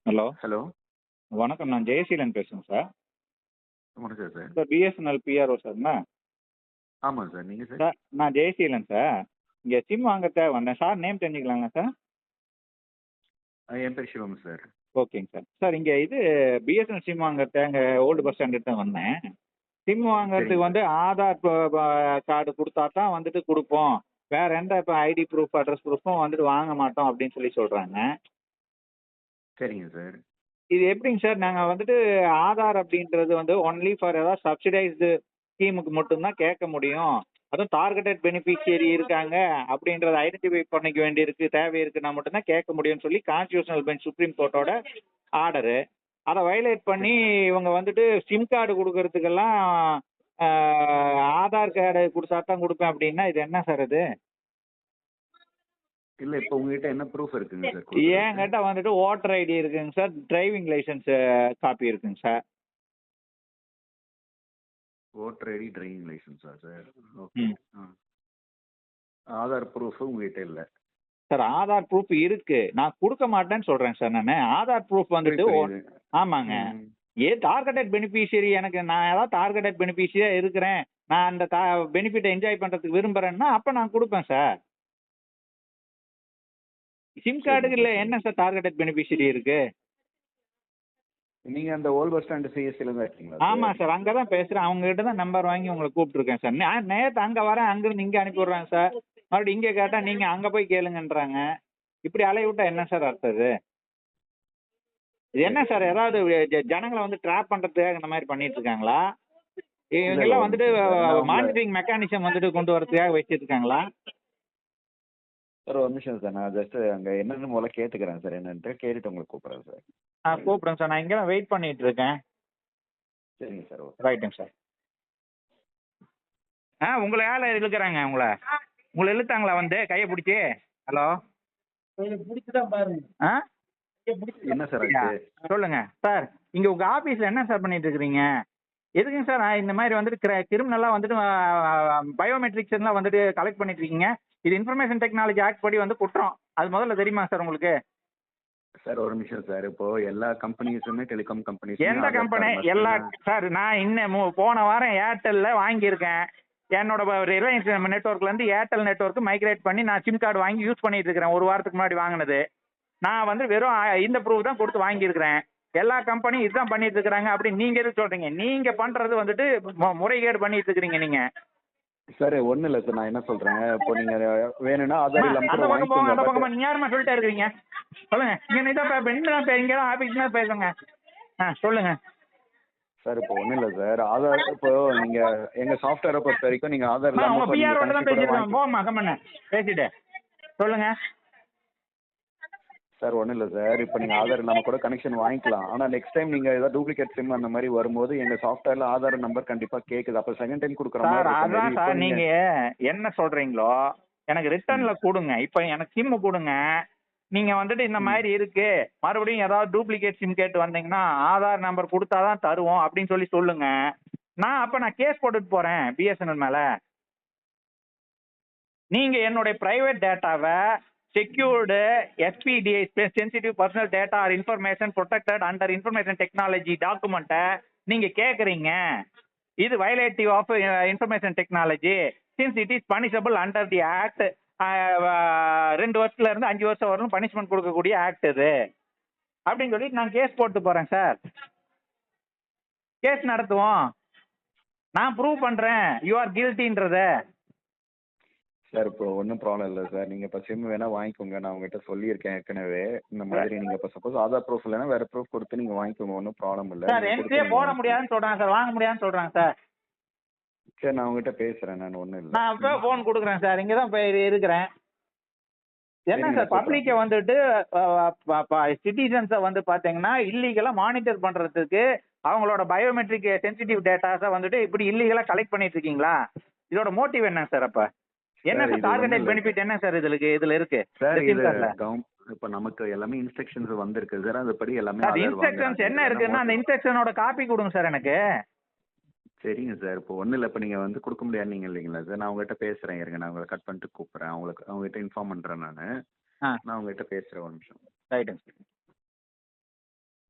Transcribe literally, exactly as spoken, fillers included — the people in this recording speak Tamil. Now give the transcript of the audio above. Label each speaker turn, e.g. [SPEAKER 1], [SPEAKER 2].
[SPEAKER 1] ஹலோ.
[SPEAKER 2] ஹலோ.
[SPEAKER 1] வணக்கம். நான் ஜெயசீலன் பேசுறேன் சார்.
[SPEAKER 2] வணக்கம் சார்.
[SPEAKER 1] சார் பிஎஸ்என்எல் பிஆர்ஓ சார்ண்ணா?
[SPEAKER 2] ஆமாம் சார். நீங்கள் சார்?
[SPEAKER 1] சார் நான் ஜெயசீலன் சார். இங்கே சிம் வாங்கறதுக்காக வந்தேன். சார் நேம் தெரிஞ்சுக்கலாங்களா சார்?
[SPEAKER 2] அ என் பேர் சிவம் சார்.
[SPEAKER 1] ஓகேங்க சார். சார் இங்கே இது பிஎஸ்என்எல் சிம் வாங்கறதுக்காக இங்கே ஓல்டு பஸ் ஸ்டாண்டுக்கு தான் வந்தேன். சிம் வாங்குறதுக்கு
[SPEAKER 2] சரிங்க
[SPEAKER 1] வந்து
[SPEAKER 2] சார்.
[SPEAKER 1] ஆதார் ப ப கார்டு குடுத்தா தான் வந்துட்டு குடுப்போம். வேற எந்த இப்ப ஐடி ப்ரூஃப், அட்ரஸ் ப்ரூஃபும் வந்துட்டு வாங்க மாட்டோம் அப்படின்னு சொல்லி சொல்றாங்க.
[SPEAKER 2] சரிங்க சார்.
[SPEAKER 1] இது எப்படிங்க சார்? நாங்க வந்துட்டு ஆதார் அப்படின்றது வந்து ஒன்லி ஃபார் ஏதாவது சப்சிடைஸ்டு ஸ்கீமுக்கு மட்டும் தான் கேட்க முடியும். அதுவும் டார்கெட்டட் பெனிஃபிஷியரி இருக்காங்க அப்படின்றத ஐடென்டிஃபை பண்ணிக்க வேண்டியிருக்கு, தேவை இருக்குன்னா மட்டும் தான் கேட்க முடியும்னு சொல்லி கான்ஸ்டிடியூஷனல் பெஞ்ச் சுப்ரீம் கோர்ட்டோட ஆர்டரு. அத வயலேட் பண்ணி இவங்க வந்துட்டு சிம் கார்டு குடுக்கறதுக்கெல்லாம் ஆ ஆதார் கார்டு குடுத்தா தான் குடுப்பேன் அப்படின்னா, இது என்ன சார் இது?
[SPEAKER 2] இல்ல இப்ப உங்ககிட்ட என்ன ப்ரூஃப் இருக்குங்க சார் குடுக்குறதுக்கு?
[SPEAKER 1] என்கிட்ட வந்துட்டு வோட்டர் ஐடி இருக்குங்க சார். டிரைவிங் லைசென்ஸ் காப்பி இருக்குங்க சார்.
[SPEAKER 2] வோட்டர் ஐடி, டிரைவிங் லைசென்ஸா சார்? ஓகே.
[SPEAKER 1] ம்.
[SPEAKER 2] ஆ. ஆதார் ப்ரூஃப் உங்ககிட்ட இல்ல.
[SPEAKER 1] சார் ஆதார் ப்ரூஃப் இருக்கு. நான் குடுக்க மாட்டேன்னு சொல்றேன் சார் நானு. ஆதார் ப்ரூஃப் வந்துட்டு
[SPEAKER 2] புரியுது,
[SPEAKER 1] ஒ
[SPEAKER 2] புரியுது.
[SPEAKER 1] ஆமாங்க.
[SPEAKER 2] ம்.
[SPEAKER 1] ஏன் டார்கெட்டட் பெனிஃபிஷியரி எனக்கு நான் ஏதாவது டார்கெட்டட் பெனிஃபிஷியரியா இருக்கிறேன். நான் அந்த டா பெனிஃபிட்ட என்ஜாய் பண்றதுக்கு விரும்புறேன்னா, அப்ப நான் குடுப்பேன் சார். சிம்
[SPEAKER 2] சரிங்க
[SPEAKER 1] கார்டுக்கு
[SPEAKER 2] சார்.
[SPEAKER 1] இல்ல
[SPEAKER 2] சரிங்க.
[SPEAKER 1] என்ன சார் டார்கெட்டட் பெனிஃபிஷியரி இருக்கு?
[SPEAKER 2] நீங்க அந்த ஓல்ட் பஸ் ஸ்டாண்ட் சிஎஸ்சில தான் இருக்கீங்களா
[SPEAKER 1] ஆமா
[SPEAKER 2] சார்?
[SPEAKER 1] சார். அங்க தான் பேசுறேன். அவங்க கிட்ட தான் நம்பர் வாங்கி உங்கள கூப்பிட்டுருக்கேன் சார். நான் நேத்து அங்க வரேன். அங்கிருந்து இங்க அனுப்பி விடுறாங்க சார். மறுபடியும் இங்க கேட்டா நீங்க அங்க போய் கேளுங்கன்றாங்க. இப்படி அலைய விட்டா என்ன சார் அர்த்தம் இது? இது என்ன
[SPEAKER 2] சரி,
[SPEAKER 1] சார்
[SPEAKER 2] சரிங்க
[SPEAKER 1] ஏதாவது
[SPEAKER 2] சார்.
[SPEAKER 1] ஜ ஜனங்கள வந்து ட்ராப் பண்றதுக்காக இந்த மாரி பண்ணிட்டு இருக்காங்களா?
[SPEAKER 2] இல்ல, இல்ல
[SPEAKER 1] இவங்கெல்லாம்
[SPEAKER 2] ஒரு
[SPEAKER 1] வந்துட்டு
[SPEAKER 2] நிமிஷம் சார். நான் உங்கள
[SPEAKER 1] மானிட்டரிங் மெக்கானிசம் வந்துட்டு கொண்டு வரதுக்காக வச்சிருக்காங்களா?
[SPEAKER 2] சார் ஒரு நிமிஷம் சார். நான் ஜஸ்ட் அங்க என்னன்னு முதல்ல கேட்டுக்கிறேன் சார் என்னன்ட்டு. கேட்டுட்டு உங்களுக்கு கூப்பிடுறேன் சார்.
[SPEAKER 1] ஆ கூப்பிடுங்க சார். நான் இங்க தான் வெயிட் பண்ணிட்டு இருக்கேன்.
[SPEAKER 2] சரிங்க சார். ஓகே.
[SPEAKER 1] ரைட்டுங்க சார். ஆ உங்கள யாரு இழுக்குறாங்க உங்கள? உங்கள இழுத்தாங்களா வந்து கைய புடிச்சு? ஹலோ. புடிச்சு தான் பாருங்க. ஆ?
[SPEAKER 2] என்ன சார்
[SPEAKER 1] யா.
[SPEAKER 2] ஆச்சு?
[SPEAKER 1] சொல்லுங்க. சார் இங்க உங்க ஆபீஸ்ல என்ன சார் பண்ணிட்டு இருக்கிறீங்க? எதுக்குங்க சார் நான் இந்த மாதிரி வந்துட்டு கிர கிரிமினலா வந்துட்டு பயோமெட்ரிக்ஸ் எல்லாம் வந்துட்டு கலெக்ட் பண்ணிட்டு இருக்கீங்க? இது இன்ஃபர்மேஷன் டெக்னாலஜி ஆக்ட் படி வந்து குற்றம். அது முதல்ல தெரியுமா சார் உங்களுக்கு?
[SPEAKER 2] சார் ஒரு நிமிஷம் சார். இப்போ எல்லா கம்பெனிஸுமே டெலிகாம் கம்பெனிஸுமே
[SPEAKER 1] எந்த
[SPEAKER 2] ஆதார்
[SPEAKER 1] கம்பெனி?
[SPEAKER 2] கார்டு
[SPEAKER 1] எல்லா
[SPEAKER 2] மஸ்ட்டுன்னு
[SPEAKER 1] சார் நான் இன்னும் மு- போன வாரம் ஏர்டெல்ல வாங்கியிருக்கேன். என்னோட ரிலையன்ஸ் நெட்ஒர்க்ல இருந்து ஏர்டெல் நெட்ஒர்க் மைக்ரேட் பண்ணி நான் சிம் கார்டு வாங்கி யூஸ் பண்ணிட்டு இருக்கிறேன். ஒரு வாரத்துக்கு முன்னாடி வாங்கினது. நான் வந்து வெறும் ஆ- இந்த ப்ரூஃப் தான் கொடுத்து வாங்கியிருக்கிறேன். எல்லா கம்பெனியும் இதுதான் பண்ணிட்டு இருக்காங்க அப்படின்னு நீங்க எதுக்கு சொல்றீங்க? நீங்க பண்றது வந்துட்டு மு- முறைகேடு பண்ணிட்டு இருக்கிறீங்க நீங்க.
[SPEAKER 2] சார் ஒன்றும் இல்லை சார். நான் என்ன சொல்கிறேன், இப்போ நீங்கள் வேணும்னா
[SPEAKER 1] அம்மா,
[SPEAKER 2] ஆதார் இல்லாமல்
[SPEAKER 1] அந்த
[SPEAKER 2] கூட
[SPEAKER 1] பக்கம் போங்க,
[SPEAKER 2] வாங்கிக்கோங்க.
[SPEAKER 1] அந்த
[SPEAKER 2] பட்
[SPEAKER 1] பக்கமா நீங்க யாருமா சொல்லிட்டே இருக்கிறீங்க? சொல்லுங்க. இங்க இதான் பே- இங்க தான் பே- இங்க தான் ஆபீஸ் தான் பேசுங்க. ஆ சொல்லுங்க.
[SPEAKER 2] சார் இப்போ ஒன்றும் இல்லை சார். ஆதார் இப்போ நீங்கள் எங்கள் சாஃப்ட்வேரை பொறுத்த வரைக்கும் நீங்கள் ஆதார்
[SPEAKER 1] அம்மா,
[SPEAKER 2] இல்லாமல்
[SPEAKER 1] உங்க
[SPEAKER 2] இப்போ நீங்கள்
[SPEAKER 1] பிஆர் தான்
[SPEAKER 2] கனெக்ஷன் கூட
[SPEAKER 1] பேசிருக்கேன்.
[SPEAKER 2] வாங்கி.
[SPEAKER 1] போமா கம்மண்ண பேசிட்டு சொல்லுங்க.
[SPEAKER 2] சார் ஒன்றும் இல்லை சார். இப்போ நீங்கள் ஆதார் இல்லாமல் கூட கனெக்ஷன் வாங்கிக்கலாம். ஆனால் நெக்ஸ்ட் டைம் நீங்கள் ஏதாவது டூப்ளிகேட் சிம் அந்த மாதிரி வரும்போது எங்கள் சாஃப்ட்வேரில் ஆதார் நம்பர் கண்டிப்பாக கேட்குது. அப்போ செகண்ட் டைம் கொடுக்குற மாதிரி
[SPEAKER 1] சார்
[SPEAKER 2] இருக்கும்.
[SPEAKER 1] அதான்
[SPEAKER 2] மேபி இப்போ
[SPEAKER 1] சார் நீங்க
[SPEAKER 2] நீங்கள்
[SPEAKER 1] என்ன சொல்றீங்களோ எனக்கு ரிட்டர்ன்ல கொடுங்க. இப்போ எனக்கு சிம் கொடுங்க. நீங்க வந்துட்டு இந்த
[SPEAKER 2] ம்
[SPEAKER 1] மாதிரி இருக்கு, மறுபடியும் ஏதாவது டூப்ளிகேட் சிம் கேட்டு வந்தீங்கன்னா ஆதார் நம்பர் கொடுத்தாதான் தருவோம் அப்படின்னு சொல்லி சொல்லுங்க. நான் அப்ப நான் கேஸ் போட்டுட்டு போறேன் பிஎஸ்என்எல் மேல. நீங்க என்னுடைய பிரைவேட் டேட்டாவை secured SPDI sensitive personal data or information protected under information technology டாக்குமெண்ட்டை நீங்க கேட்குறீங்க. இது violative of information technology since it is punishable under the act. ரெண்டு வருஷத்துல இருந்து அஞ்சு வருஷம் வரலும் பனிஷ்மெண்ட் கொடுக்கக்கூடிய ஆக்ட் இது அப்படின்னு சொல்லி நான் கேஸ் போட்டு போறேன் சார். கேஸ் நடத்துவோம். நான் ப்ரூவ் பண்றேன் யூ ஆர் கில்ட்டின்றத.
[SPEAKER 2] சார் இப்போ ஒன்றும் ப்ராப்ளம் இல்லை சார். நீங்கள் இப்போ சிம் வேணால் வாங்கிக்கோங்க. நான் உங்ககிட்ட சொல்லியிருக்கேன் ஏற்கனவே. இந்த மாதிரி நீங்கள் இப்போ சப்போஸ் ஆதார் ப்ரூஃப் இல்லைன்னா வேறு ப்ரூஃப் கொடுத்து நீங்கள் வாங்கிக்கோங்க. ஒன்றும் ப்ராப்ளம் இல்லை.
[SPEAKER 1] சார்
[SPEAKER 2] நீங்கள்
[SPEAKER 1] என்ட்ரியே
[SPEAKER 2] கொடுத்து நீங்கள்
[SPEAKER 1] போட
[SPEAKER 2] வாங்கிக்கோங்க.
[SPEAKER 1] முடியாதுன்னு சொல்றாங்க சார். வாங்க முடியாதுன்னு சொல்றாங்க சார்.
[SPEAKER 2] சரி நான் உங்ககிட்ட பேசுகிறேன். நான் ஒன்றும் இல்லை.
[SPEAKER 1] நான் இப்போ
[SPEAKER 2] ம்
[SPEAKER 1] ஃபோன் கொடுக்குறேன் சார். இங்கே தான் போய் இருக்கிறேன். என்ன
[SPEAKER 2] சரிங்க
[SPEAKER 1] சார்
[SPEAKER 2] நான் கூப்பிட்றேன்
[SPEAKER 1] பப்ளிக்கை
[SPEAKER 2] சார்.
[SPEAKER 1] வந்துட்டு சிட்டிசன்ஸை வந்து பார்த்தீங்கன்னா இல்லீகலாக மானிட்டர் பண்ணுறதுக்கு அவங்களோட பயோமெட்ரிக் சென்சிட்டிவ் டேட்டாஸை வந்துட்டு இப்படி இல்லீகலாக கலெக்ட் பண்ணிட்டு இருக்கீங்களா? இதோட மோட்டிவ் என்ன சார்? அப்போ என்ன
[SPEAKER 2] சார்
[SPEAKER 1] சார்
[SPEAKER 2] இது ஒன்றும்
[SPEAKER 1] டார்கெட்டட்
[SPEAKER 2] இல்லை
[SPEAKER 1] பெனிஃபிட் என்ன சார் இதுக்கு இதில் இருக்கு
[SPEAKER 2] சார்.
[SPEAKER 1] இந்த சிம்
[SPEAKER 2] இது
[SPEAKER 1] கார்டில்?
[SPEAKER 2] கம் இப்போ நமக்கு எல்லாமே இன்ஸ்ட்ரக்ஷன்ஸ் வந்திருக்கு சார். அதுபடி எல்லாமே
[SPEAKER 1] சார்
[SPEAKER 2] ஆதார்
[SPEAKER 1] இன்ஸ்ட்ரக்ஷன்ஸ்
[SPEAKER 2] வாங்குறாங்க.
[SPEAKER 1] என்ன
[SPEAKER 2] இதில் என்ன
[SPEAKER 1] இருக்குன்னா அந்த
[SPEAKER 2] மோட்டிவ்?
[SPEAKER 1] இன்ஸ்ட்ரக்ஷனோட காப்பி கொடுங்க சார் எனக்கு.
[SPEAKER 2] சரிங்க சார். இப்போ ஒன்றும் இல்லை. இப்போ நீங்கள் வந்து கொடுக்க முடியாதுன்னீங்க இல்லைங்களா சார்? நான் உங்ககிட்ட பேசுகிறேன். இருங்க நான் உங்களை கட் பண்ணிட்டு கூப்பிட்றேன். அவங்களுக்கு அவங்ககிட்ட இன்ஃபார்ம் பண்ணுறேன் நான்.
[SPEAKER 1] ஆ
[SPEAKER 2] நான் உங்ககிட்ட பேசுகிறேன் ஒரு நிமிஷம்.
[SPEAKER 1] ரைட்டுங்க சார்.